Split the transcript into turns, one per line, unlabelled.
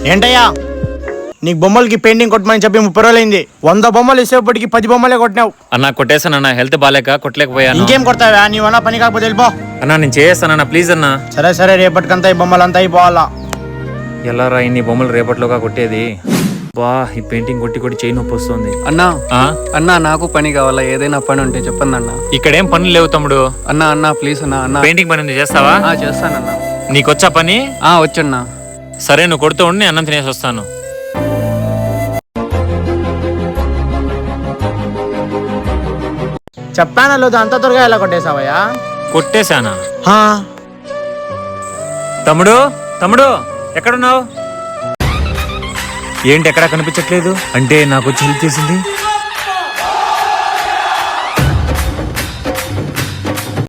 ఏంటయ్యా నీకు బొమ్మలకి పెయింటింగ్ కొట్టమని చెప్పి 30 రోజులైంది. 100 బొమ్మలు ఇసేపటికి 10 బొమ్మలే కొట్టినావు.
అన్నా కొట్టేసానన్నా, హెల్త్ బాగాలేక కొట్టలేకపోయాను.
ఇంకేం కొడతావా? నీవన్నా పని కాకపోతే వెళ్ళిపో.
అన్నా నేను చేస్తానన్నా, ప్లీజ్ అన్నా.
సరే సరే, రేపటికంతా ఈ బొమ్మలు అంతా అయిపోవాలా.
ఎలా రా ఇన్ని బొమ్మలు రేపట్లోగా కొట్టేది? బా ఈ పెయింటింగ్ కొట్టి కొట్టి చేయి నొప్పి వస్తుంది.
అన్నా నాకు పని కావాలా, ఏదైనా పని ఉంటే చెప్పండి అన్న.
ఇక్కడేం పనులు లేవు తమ్ముడు.
అన్నా ప్లీజ్ అన్నా.
పెయింటింగ్ పని ఉంది, చేస్తావా?
చేస్తానన్నా.
నీకొచ్చా పని?
వచ్చన్నా.
సరే నువ్వు కొడుతూ ఉండి, అన్నం తినేసి వస్తాను.
చెప్పానా లేదు, అంత త్వరగా ఎలా కొట్టేసావయ్యా?
కొట్టేశానా? తమ్ముడు తమ్ముడు ఎక్కడున్నావు? ఏంటి ఎక్కడా కనిపించట్లేదు? అంటే నాకు వచ్చి హెల్ప్ చేసింది